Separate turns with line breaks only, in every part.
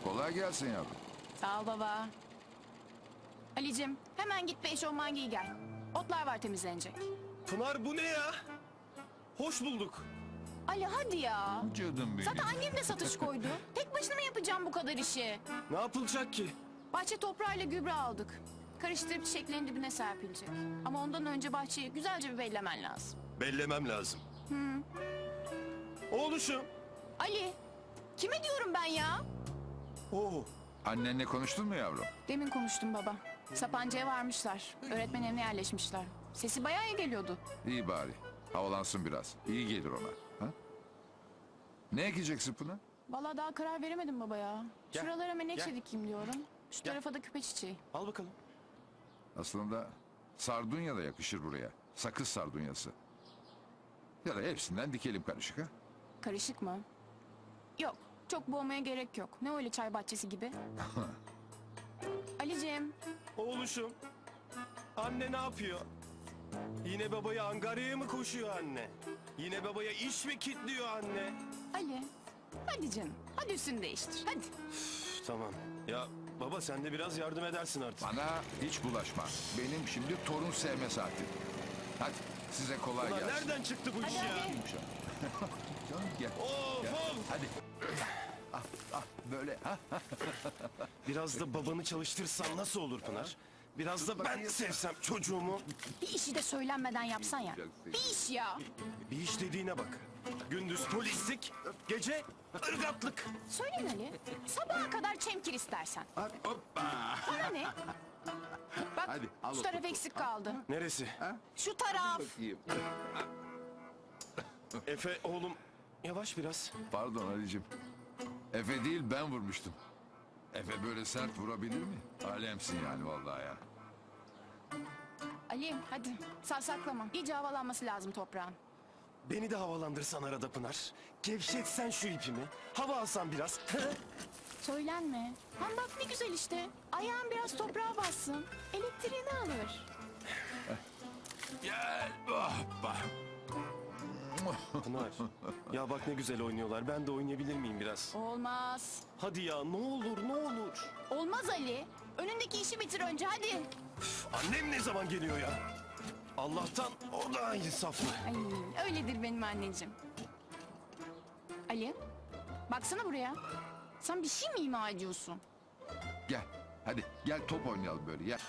Kolay gelsin yavrum.
Sağ ol baba. Ali'cim hemen git bir eşofman giy gel. Otlar var temizlenecek.
Pınar bu ne ya? Hoş bulduk.
Ali hadi ya.
Canım benim.
Zaten annem de satış koydu. Tek başına mı yapacağım bu kadar işi?
Ne yapılacak ki?
Bahçe toprağıyla gübre aldık. Karıştırıp çiçeklerin dibine serpilecek. Ama ondan önce bahçeyi güzelce bir bellemen lazım.
Bellemem lazım. Oğluşum.
Ali, kime diyorum ben ya?
Oo.
Annenle konuştun mu yavrum?
Demin konuştum baba. Sapanca'ya varmışlar. Öğretmen evine yerleşmişler. Sesi bayağı iyi geliyordu.
İyi bari. Havalansın biraz. İyi gelir ona. Ha? Ne ekeceksin Pınar?
Vallahi daha karar veremedim baba ya.
Gel,
Şuralara menekşe
gel.
dikeyim diyorum. Şu
Gel.
tarafa da küpe çiçeği.
Al bakalım.
Aslında sardunya da yakışır buraya. Sakız sardunyası. Ya da hepsinden dikelim karışık ha?
Karışık mı? Yok. Çok boğmaya gerek yok. Ne öyle çay bahçesi gibi. Ali'cim.
Oğluşum. Anne ne yapıyor? Yine babaya Angarya'ya mı koşuyor anne? Yine babaya iş mi kitliyor anne?
Ali. Hadi canım. Hadi üstünü değiştir. Hadi.
Üf, tamam. Ya baba sen de biraz yardım edersin artık.
Bana hiç bulaşma. Benim şimdi torun sevme saati. Hadi size kolay
Ulan
gelsin.
nereden çıktı bu iş
Hadi
ya?
hadi.
Canım gel.
Of
Gel.
of.
Hadi. Böyle ha?
Biraz da babanı çalıştırsan nasıl olur Pınar? Biraz da ben sevsem çocuğumu.
Bir işi de söylenmeden yapsan ya. Bir iş ya.
Bir iş dediğine bak. Gündüz polislik, gece ırgatlık.
Söylen Ali. Sabaha kadar çemkir istersen.
Hoppa.
Bana ne? Bak
Hadi, al
şu
o
taraf
topu.
eksik kaldı.
Neresi?
Şu taraf.
Bakayım.
Efe oğlum yavaş biraz.
Pardon Ali'cim. Efe değil ben vurmuştum. Efe böyle sert vurabilir mi? Alemsin yani vallahi ya.
Ali hadi savsaklama. İyice havalanması lazım toprağın.
Beni de havalandırsan arada Pınar. Gevşetsen şu ipimi. Hava alsan biraz.
Söylenme. Hem bak ne güzel işte. Ayağın biraz toprağa bassın. Elektriğini alır.
Gel. Hoppa.
Pınar ya bak ne güzel oynuyorlar. Ben de oynayabilir miyim biraz?
Olmaz.
Hadi ya ne olur ne olur.
Olmaz Ali. Önündeki işi bitir önce hadi.
Üf, annem ne zaman geliyor ya? Allah'tan o da insaflı.
Ay, öyledir benim anneciğim. Ali, baksana buraya. Sen bir şey mi ima ediyorsun?
Gel. Hadi gel top oynayalım böyle gel.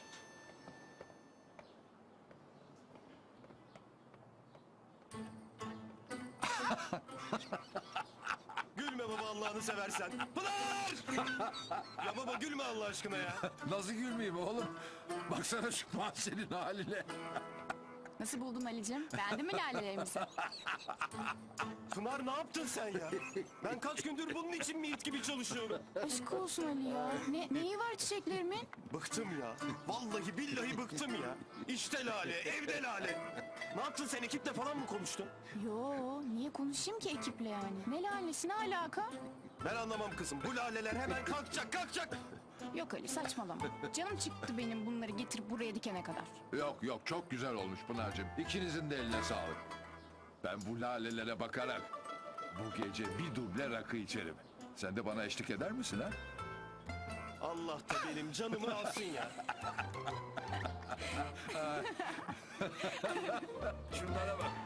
Gülme baba Allah'ını seversen. Pınar! Ya baba gülme Allah aşkına ya.
Nasıl gülmeyeyim oğlum? Baksana şu mahzenin haline.
Nasıl buldun Ali'cim? Beğendin mi lalelerimizi?
Pınar ne yaptın sen ya? Ben kaç gündür bunun için mi it gibi çalışıyorum?
Aşk olsun Ali ya. Neyi var çiçeklerimin?
Bıktım ya. Vallahi billahi bıktım ya. İşte lale, evde lale. Ne yaptın sen ekiple falan mı konuştun?
Yo, niye konuşayım ki ekiple yani? Ne lalesi ne alaka?
Ben anlamam kızım. Bu laleler hemen kalkacak, kalkacak.
Yok Ali saçmalama. Canım çıktı benim bunları getirip buraya dikene kadar.
Yok yok çok güzel olmuş Pınar'cığım. İkinizin de eline sağlık. Ben bu lalelere bakarak bu gece bir duble rakı içerim. Sen de bana eşlik eder misin ha?
Allah da benim canımı alsın ya.
Şunlara bak.